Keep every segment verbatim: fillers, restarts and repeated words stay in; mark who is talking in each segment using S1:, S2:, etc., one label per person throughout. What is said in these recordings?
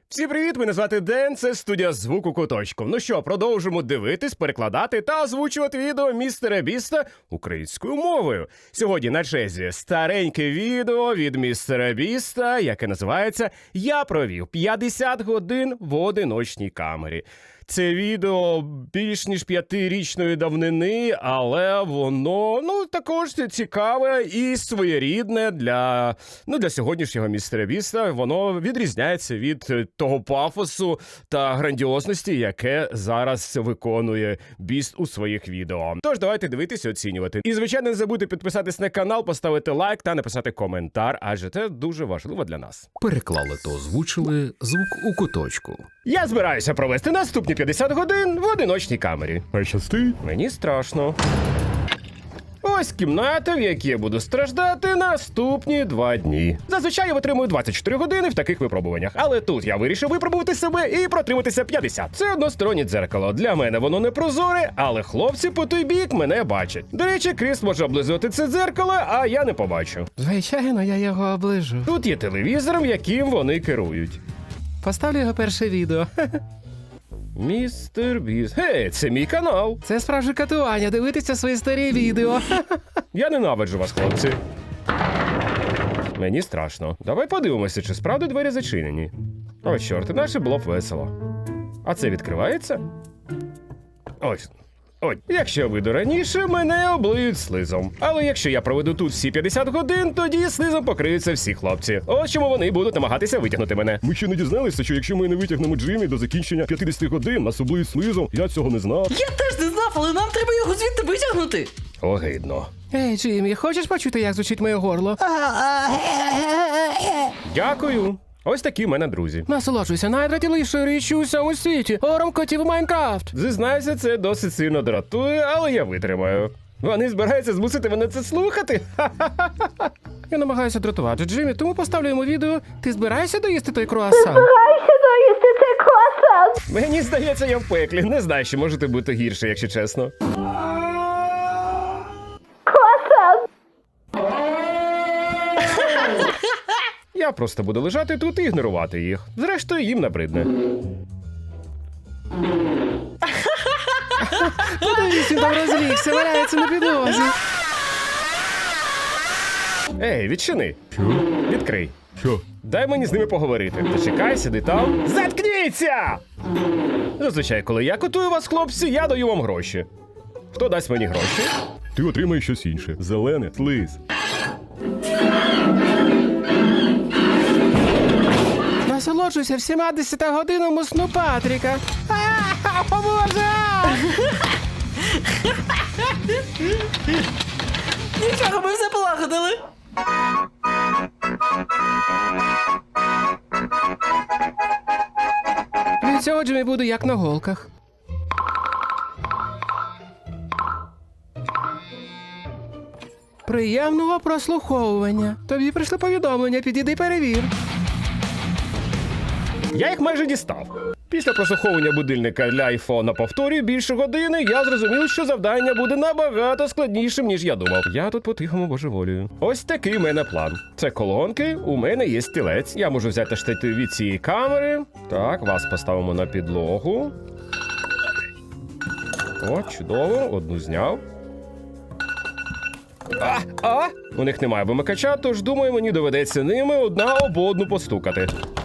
S1: Всім привіт, мене звати Ден, це студія звуку куточку. Ну що, продовжимо дивитись, перекладати та озвучувати відео містера Біста українською мовою. Сьогодні на черзі стареньке відео від містера Біста, яке називається «Я провів п'ятдесят годин в одиночній камері». Це відео більш ніж п'ятирічної давнини, але воно, ну, також цікаве і своєрідне для, ну, для сьогоднішнього містера Біста. Воно відрізняється від того пафосу та грандіозності, яке зараз виконує Біст у своїх відео. Тож давайте дивитися і оцінювати. І, звичайно, не забудьте підписатись на канал, поставити лайк та написати коментар, адже це дуже важливо для нас.
S2: Переклали та озвучили звук у куточку.
S1: Я збираюся провести наступні п'ятдесят годин в одиночній камері.
S3: А щастить?
S1: Мені страшно. Ось кімната, в якій я буду страждати наступні два дні. Зазвичай я витримую двадцять чотири години в таких випробуваннях, але тут я вирішив випробувати себе і протриматися п'ятдесят. Це одностороннє дзеркало. Для мене воно не прозоре, але хлопці по той бік мене бачать. До речі, Кріс може облизувати це дзеркало, а я не побачу.
S4: Звичайно, я його оближу.
S1: Тут є телевізор, яким вони керують.
S4: Поставлю його перше відео.
S1: Містер Біст. Гей, це мій канал.
S4: Це справжнє катування, дивитися свої старі відео.
S1: Я ненавиджу вас, хлопці. Мені страшно. Давай подивимося, чи справді двері зачинені. О, чорт, інакше було б весело. А це відкривається? Ось. Ой, якщо я вийду раніше, мене облиють слизом. Але якщо я проведу тут всі п'ятдесят годин, тоді слизом покриються всі хлопці. Ось чому вони будуть намагатися витягнути мене.
S3: Ми ще не дізналися, що якщо ми не витягнемо Джиммі до закінчення п'ятдесят годин, нас облиють слизом. Я цього не знав.
S5: Я теж не знав, але нам треба його звідти витягнути.
S1: Огидно.
S4: Ей, Джиммі, хочеш почути, як звучить моє горло?
S1: Дякую. Ось такі в мене друзі.
S4: Насолоджуйся найдратівнішою річчю у всьому світі. Ором котів Майнкрафт.
S1: Зізнаюся, це досить сильно дратує, але я витримаю. Вони збираються змусити мене це слухати? Ха-ха-ха.
S4: Я намагаюся дратувати Джиммі, тому поставлю йому відео. Ти збираєшся доїсти той круасан?
S1: Мені здається, я в пеклі. Не знаю, що можете бути гірше, якщо чесно. Я просто буду лежати тут і ігнорувати їх. Зрештою, їм набридне.
S4: Подивись, він там розлігся, валяється на підлозі.
S1: Ей, відчини.
S3: Що?
S1: Відкрий.
S3: Що?
S1: Дай мені з ними поговорити. Зачекай, сиди там. Заткніться! Зазвичай, коли я котую вас, хлопці, я даю вам гроші. Хто дасть мені гроші?
S3: Ти отримаєш щось інше. Зелене, слиз.
S4: Насолоджуйся всіма десяти годинами сну Патріка. А, о, Боже!
S5: Нічого, ми все полагодили.
S4: Від цього Джиммі буде як на голках. Приємного прослуховування. Тобі прийшли повідомлення, підійди перевір.
S1: Я їх майже дістав. Після прослуховування будильника для айфона повторюю більше години, я зрозумів, що завдання буде набагато складнішим, ніж я думав. Я тут по-тихому божеволію. Ось такий в мене план. Це колонки, у мене є стілець. Я можу взяти штатив від цієї камери. Так, вас поставимо на підлогу. О, чудово, одну зняв. А, а! У них немає вимикача, тож думаю, мені доведеться ними одна об одну постукати.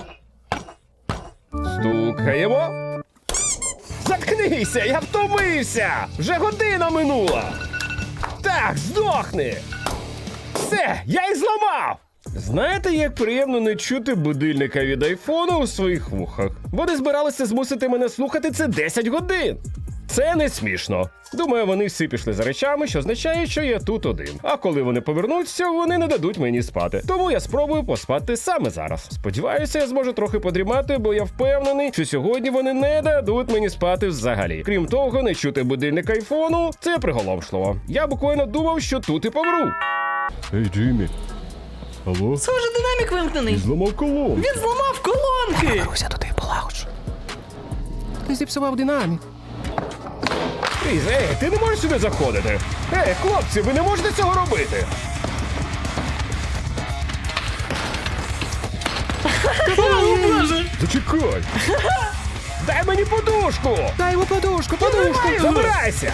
S1: Стукаємо. Заткнися, я втомився! Вже година минула! Так, здохни! Все, я їх зламав! Знаєте, як приємно не чути будильника від айфону у своїх вухах? Вони збиралися змусити мене слухати це десять годин! Це не смішно. Думаю, вони всі пішли за речами, що означає, що я тут один. А коли вони повернуться, вони не дадуть мені спати. Тому я спробую поспати саме зараз. Сподіваюся, я зможу трохи подрімати, бо я впевнений, що сьогодні вони не дадуть мені спати взагалі. Крім того, не чути будильник айфону – це приголомшливо. Я буквально думав, що тут і помру.
S3: Ей, Джиммі. Алло?
S5: Схоже, динамік вимкнений.
S3: Зламав колон.
S5: Він зламав колонки.
S4: Уся туди полагоджу. Ти зіпсував динамік.
S1: Кріс, ей, ти не можеш сюди заходити. Ей, хлопці, ви не можете цього робити.
S5: О, Боже!
S3: Зачекай!
S1: Дай мені подушку!
S4: Дай йому подушку, подушку.
S1: Забирайся!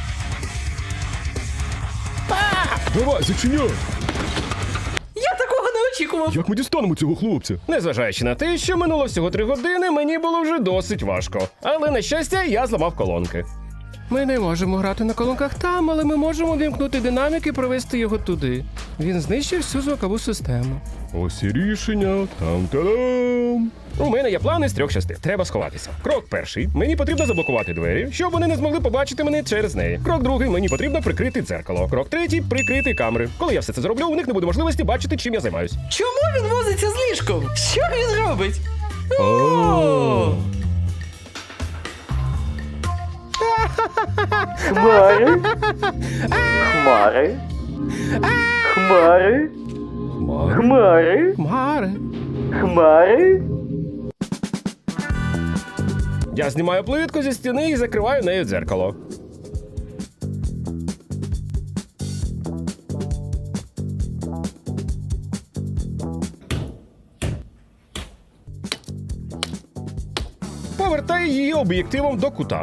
S3: Давай, зачиняй!
S5: Я такого не очікував.
S3: Як ми дістанемо цього хлопця?
S1: Незважаючи на те, що минуло всього три години, мені було вже досить важко. Але, на щастя, я зламав колонки.
S4: Ми не можемо грати на колонках там, але ми можемо вімкнути динамік і провести його туди. Він знищив всю звукову систему.
S3: Ось і рішення. Там-та-дам!
S1: У мене є плани з трьох частин. Треба сховатися. Крок перший. Мені потрібно заблокувати двері, щоб вони не змогли побачити мене через неї. Крок другий. Мені потрібно прикрити дзеркало. Крок третій прикрити камери. Коли я все це зроблю, у них не буде можливості бачити, чим я займаюсь.
S5: Чому він возиться з ліжком? Що він робить? О!
S6: Хмари. Хмари. Хмари. Хмари.
S4: Маре.
S6: Хмари.
S1: Я знімаю плитку зі стіни і закриваю нею дзеркало. Повертаю її об'єктивом до кута.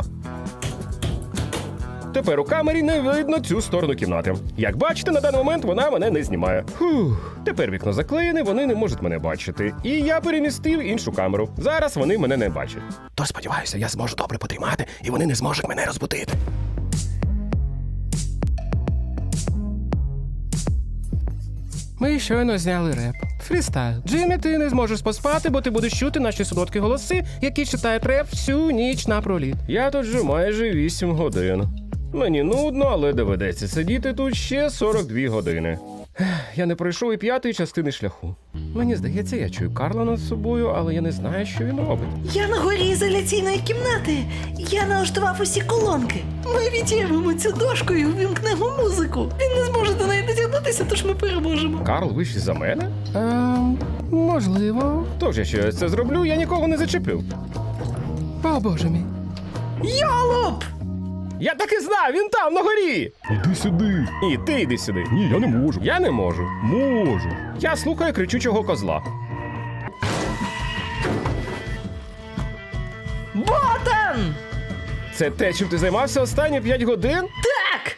S1: Тепер у камері не видно цю сторону кімнати. Як бачите, на даний момент вона мене не знімає. Фух. Тепер вікно заклеєне, вони не можуть мене бачити. І я перемістив іншу камеру. Зараз вони мене не бачать.
S4: То сподіваюся, я зможу добре потримати, і вони не зможуть мене розбудити. Ми щойно зняли реп. Фрістайл. Джиммі, ти не зможеш поспати, бо ти будеш чути наші солодкі голоси, які читають реп всю ніч напроліт.
S1: Я тут вже майже вісім годин. Мені нудно, але доведеться сидіти тут ще сорок дві години. Ех, Я не пройшов і п'ятої частини шляху. Мені здається, я чую Карла над собою, але я не знаю, що він робить.
S5: Я на горі ізоляційної кімнати. Я налаштував усі колонки. Ми відірвемо цю дошку і увімкнемо музику. Він не зможе до неї дотягнутися, тож ми переможемо.
S1: Карл вищий за мене?
S4: Ем, можливо.
S1: Тож, якщо я це зроблю, я нікого не зачеплю.
S4: О, боже мій.
S5: Йолоп!
S1: Я так і знав, він там, на горі!
S3: Іди сюди.
S1: І ти йди сюди.
S3: Ні, я не можу.
S1: Я не можу.
S3: Можу.
S1: Я слухаю кричучого козла.
S5: Ботан!
S1: Це те, чим ти займався останні п'ять годин?
S5: Так!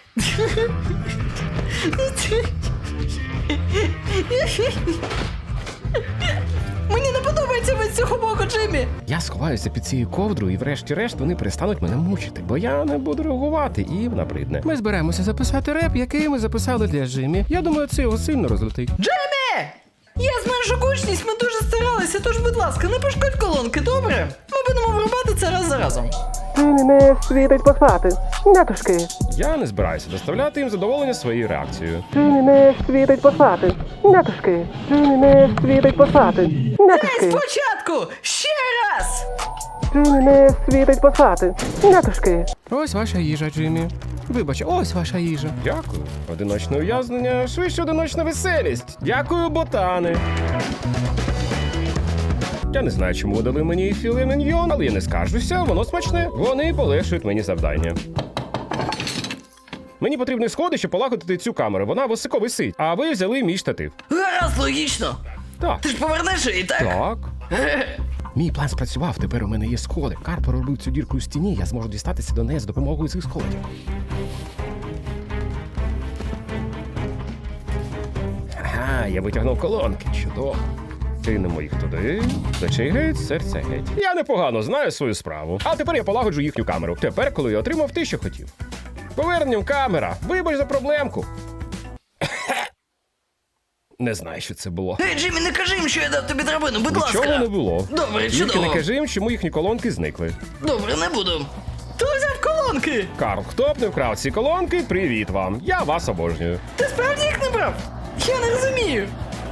S5: Мені не подобається ви з цього боку, Джиммі!
S1: Я сховаюся під цією ковдрою і врешті-решт вони перестануть мене мучити, бо я не буду реагувати і набридне.
S4: Ми зберемося записати реп, який ми записали для Джиммі. Я думаю, це його сильно розлетить.
S5: Джиммі! Я зменшу гучність, ми дуже старалися, тож, будь ласка, не пошкодь колонки, добре? Ми будемо врубати це раз за разом.
S6: Джиммі не світить поспати. Нятушки.
S1: Я не збираюся доставляти їм задоволення своєю реакцією.
S6: Джиммі не світить поспати. Нятушки. Джиммі не світить поспати.
S5: Ей,
S6: Нятушки.
S5: спочатку! Ще раз!
S6: Джиммі не світить поспати. Нятушки.
S4: Ось ваша їжа, Джиммі. Вибач, ось ваша їжа.
S1: Дякую. Одиночне ув'язнення, швидше одиночна веселість. Дякую, ботани. Я не знаю, чому дали мені філе міньйон, але я не скаржуся, воно смачне. Вони полегшують мені завдання. Мені потрібні сходи, щоб полагодити цю камеру. Вона високо висить. А ви взяли мій штатив.
S5: Гаразд, логічно.
S1: Так.
S5: Ти ж повернеш її, так?
S1: Так.
S4: Мій план спрацював, тепер у мене є сходи. Карл проробив цю дірку у стіні, я зможу дістатися до неї з допомогою цих сходів.
S1: Ага, я витягнув колонки. Чудово. Кинемо їх туди. Плечей геть, серце геть. Я непогано знаю свою справу. А тепер я полагоджу їхню камеру. Тепер, коли я отримав те, що хотів. Поверненням камера. Вибач за проблемку. Не знаю, що це було.
S5: Ей, Джиммі, не кажи їм, що я дав тобі драбину, будь
S1: Нічого
S5: ласка.
S1: не було.
S5: Добре,
S1: Тільки
S5: чудово.
S1: не кажи їм, чому їхні колонки зникли.
S5: Добре, не буду. Хто взяв колонки?
S1: Карл, хто б не вкрав ці колонки, привіт вам. Я вас обожнюю.
S5: Ти справді їх не брав? Я не розумію.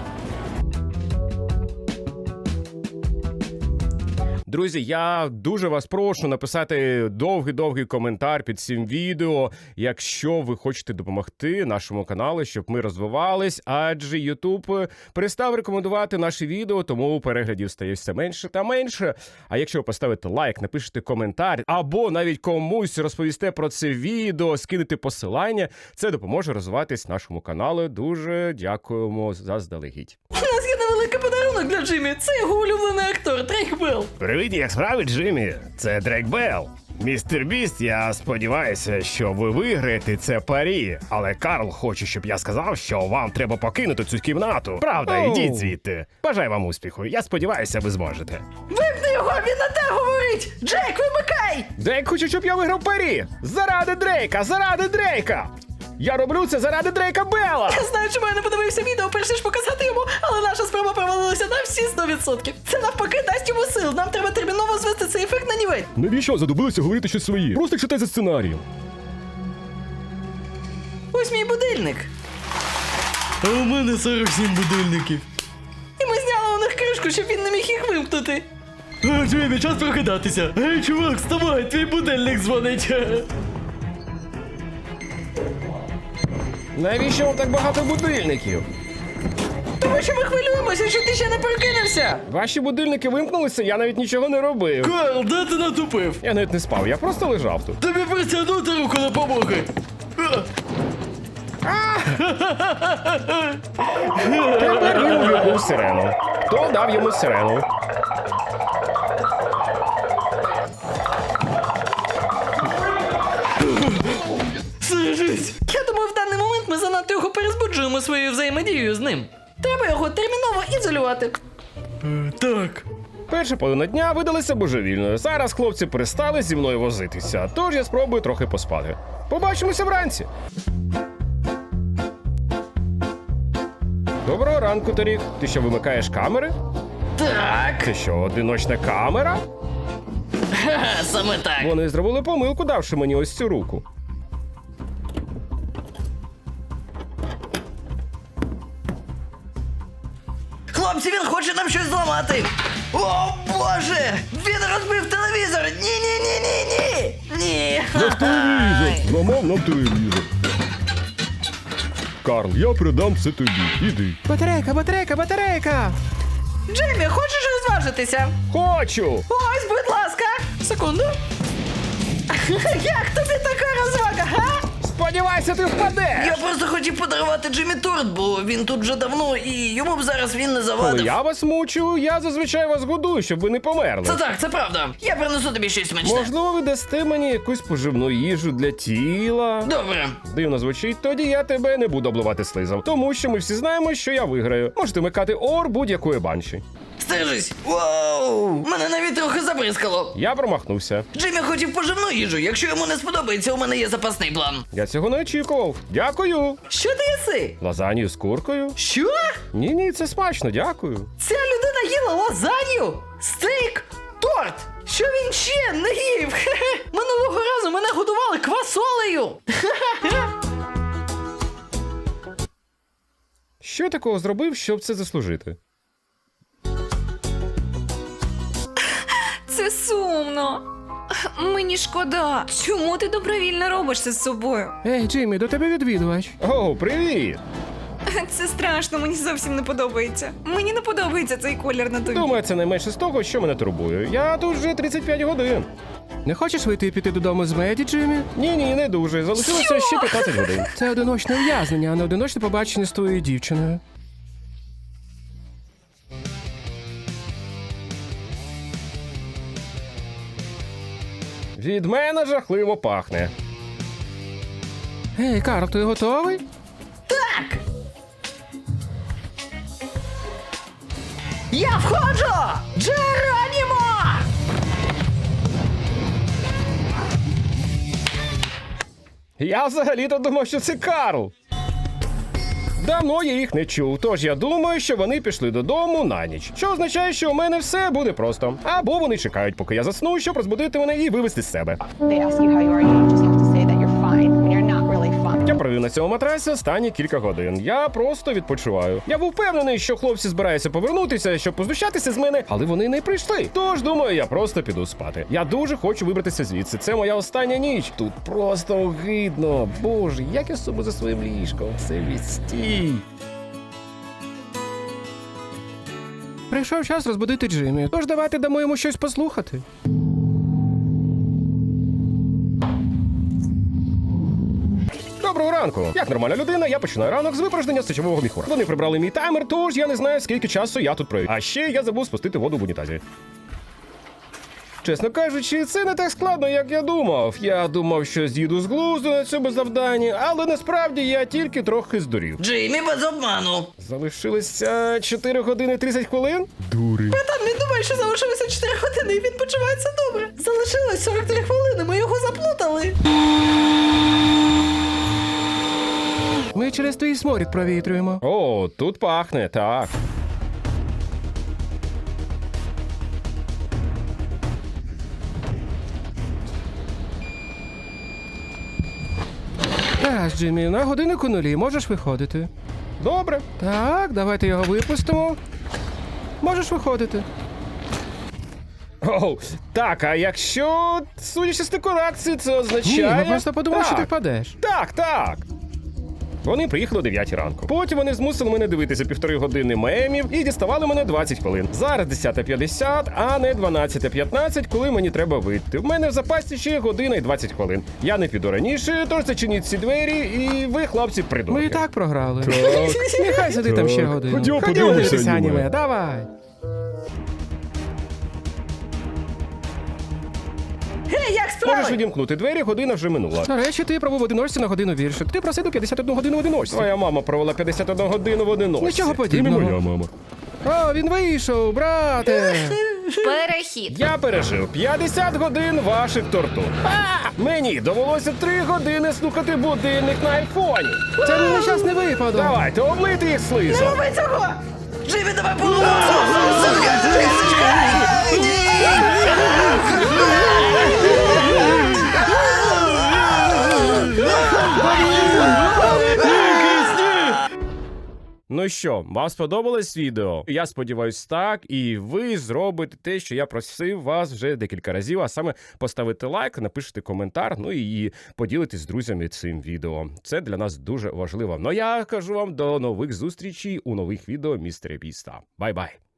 S1: Друзі, я дуже вас прошу написати довгий-довгий коментар під цим відео, якщо ви хочете допомогти нашому каналу, щоб ми розвивались, адже YouTube перестав рекомендувати наші відео, тому переглядів стає все менше та менше. А якщо ви поставите лайк, напишете коментар, або навіть комусь розповісте про це відео, скинете посилання, це допоможе розвиватись нашому каналу. Дуже дякуємо заздалегідь.
S5: У нас є невеликий подарунок подарунок для Джиммі. Це його улюблений актор Дрейк Белл.
S1: Привіт, як справи, Джиммі? Це Дрейк Белл. Містер Біст, я сподіваюся, що ви виграєте це парі, але Карл хоче, щоб я сказав, що вам треба покинути цю кімнату. Правда,
S4: Оу.
S1: ідіть звідти. Бажаю вам успіху. Я сподіваюся, ви зможете.
S5: Вимкни його, він на те говорить! Джейк, вимикай!
S1: Дрейк хоче, щоб я виграв парі. Заради Дрейка, заради Дрейка. Я роблю це заради Дрейка Белла.
S5: Я знаю, чому я не подивився відео, перш ніж показати йому, але наша спроба провалилася на всі сто відсотків. Це навпаки дасть йому сил. Нам треба терміново звести цей ефект на нівець.
S3: Навіщо задобилися говорити щось своє? Просто читай за сценарієм.
S5: Ось мій будильник.
S7: А у мене сорок сім будильників.
S5: І ми зняли у них кришку, щоб він не міг їх вимкнути.
S7: А, Джиммі, час прокидатися. Гей, чувак, вставай, твій будильник дзвонить.
S1: Навіщо вам так багато будильників?
S5: Тому що ми хвилюємося, що ти ще не прокинувся.
S1: Ваші будильники вимкнулися, я навіть нічого не робив.
S7: Карл, де ти натупив?
S1: Я навіть не спав, я просто лежав тут.
S7: Тобі притягнути руку допомоги.
S1: Тепер він увімкнув сирену. Хто дав йому сирену?
S7: Сижись.
S5: Я думаю, в даний момент ми занадто його перезбуджуємо своєю взаємодією з ним. Треба його терміново ізолювати.
S7: Е, Так.
S1: Перша половина дня видалася божевільною. Зараз хлопці перестали зі мною возитися, тож я спробую трохи поспати. Побачимося вранці. Доброго ранку, Тарік. Ти що, вимикаєш камери?
S5: Так,
S1: Це що, одиночна камера?
S5: ха, саме так.
S1: Вони зробили помилку, давши мені ось цю руку.
S5: Хлопці, він хоче нам щось зламати. О, Боже! Він розбив телевізор! Ні-ні-ні-ні-ні! Ні!
S3: Наш телевізор! Зламав нам телевізор. Карл, я передам все тобі. Іди.
S4: Батарейка, батарейка, батарейка!
S5: Джеймі, хочеш розважитися?
S1: Хочу!
S5: Ось, будь ласка! Секунду. Як тобі така розвага, га?
S1: Сподівайся, ти впадеш!
S5: Я просто хотів подарувати Джиммі торт, бо він тут вже давно і йому б зараз він не
S1: Коли
S5: завадив.
S1: я вас мучу, я зазвичай вас годую, щоб ви не померли.
S5: Це так, це правда. Я принесу тобі щось смачне.
S1: Можливо, ви дасте мені якусь поживну їжу для тіла.
S5: Добре.
S1: Дивно звучить, тоді я тебе не буду обливати слизом, тому що ми всі знаємо, що я виграю. Можете вмикати ор будь-якої банші.
S5: Стережись. Вау! Мене навіть трохи забризкало.
S1: Я промахнувся.
S5: Джиммі хотів поживну їжу. Якщо йому не сподобається, у мене є запасний план.
S1: Я цього не очікував. Дякую.
S5: Що ти їси?
S1: Лазанью з куркою?
S5: Що?
S1: Ні, ні, це смачно, дякую.
S5: Ця людина їла лазанью? Стейк? Торт? Що він ще не їв? Хе-хе. Минулого разу мене годували квасолею.
S1: Що я такого зробив, щоб це заслужити?
S8: Це сумно. Мені шкода. Чому ти добровільно робиш це з собою?
S4: Ей, Джиммі, до тебе відвідувач.
S1: О, привіт!
S8: Це страшно, мені зовсім не подобається. Мені не подобається цей колір на тобі.
S1: Думаю, це найменше з того, що мене турбує. Я тут вже тридцять п'ять годин.
S4: Не хочеш вийти і піти додому з Меді, Джиммі?
S1: Ні, ні, не дуже. Залишилося ще п'ятнадцять годин.
S4: Це одиночне ув'язнення, а не одиночне побачення з твоєю дівчиною.
S1: Від мене жахливо пахне.
S4: Ей, Карл, ти готовий?
S5: Так. Я входжу! Джеронімо!
S1: Я взагалі-то думав, що це Карл. Давно я їх не чув, тож я думаю, що вони пішли додому на ніч. Що означає, що у мене все буде просто. Або вони чекають, поки я засну, щоб розбудити мене і вивести з себе.
S9: They ask you how you are, you just have to say that you're fine when you're not really fine.
S1: Я провів на цьому матрасі останні кілька годин. Я просто відпочиваю. Я був впевнений, що хлопці збираються повернутися, щоб познущатися з мене, але вони не прийшли. Тож думаю, я просто піду спати. Я дуже хочу вибратися звідси. Це моя остання ніч. Тут просто огидно. Боже, як я собі за своїм ліжком. Це відстій.
S4: Прийшов час розбудити Джиммі, тож давайте дамо йому щось послухати.
S1: Доброго ранку! Як нормальна людина, я починаю ранок з випорожнення сечового міхура. Вони прибрали мій таймер, тож я не знаю, скільки часу я тут провів. А ще я забув спустити воду в унітазі. Чесно кажучи, це не так складно, як я думав. Я думав, що з'їду з глузду на цьому завданні, але насправді я тільки трохи здурів.
S5: Джеймі, без обману.
S1: Залишилося чотири години тридцять хвилин? Дури.
S5: Там він думає, що залишилося чотири години і він почувається добре. Залишилось сорок три хвилини, ми його заплутали.
S4: Ми через твій сморід провітрюємо.
S1: О, тут пахне, так.
S4: Так, Джиммі, на годиннику нулі, можеш виходити.
S1: Добре.
S4: Так, давайте його випустимо. Можеш виходити.
S1: Оу, так, а якщо, судячи з декорації, це означає...
S4: Ні, ми просто подумали, що ти
S1: Так.
S4: впадеш.
S1: Так, так. Вони приїхали о дев'ятій ранку. Потім вони змусили мене дивитися півтори години мемів і діставали мене двадцять хвилин. Зараз десята п'ятдесят, а не дванадцята п'ятнадцять, коли мені треба вийти. В мене в запасі ще година і двадцять хвилин. Я не піду раніше, тож зачиніть ці двері, і ви, хлопці, придурки.
S4: Ми і так програли.
S3: Так.
S4: Нехай сиди там ще годину.
S3: Ходімо,
S4: Ходімо
S3: подивимося
S4: дивитися
S3: аніме.
S4: аніме, давай.
S5: Гей, як
S1: Можеш
S5: справи?
S1: відімкнути двері, година вже минула.
S4: До речі, ти пробув в одиночці на годину більше. Ти просив до п'ятдесят одну годину в одиночці.
S1: Твоя мама провела п'ятдесят одну годину в одиночці.
S4: Нічого
S3: І не
S4: подібного.
S3: моя мама.
S4: О, він вийшов, брате.
S8: Перехід.
S1: Я пережив п'ятдесят годин ваших тортур. А! Мені довелося три години слухати будильник на айфоні.
S4: Це не нещасний випадок.
S1: Давайте, облити їх слизом.
S5: Роби цього! Джеймі, давай поговоримо!
S1: Ну що, вам сподобалось відео? Я сподіваюсь, так, і ви зробите те, що я просив вас вже декілька разів, а саме поставити лайк, напишете коментар, ну і поділитесь з друзями цим відео. Це для нас дуже важливо. Ну я кажу вам до нових зустрічей у нових відео містера Біста. Бай-бай!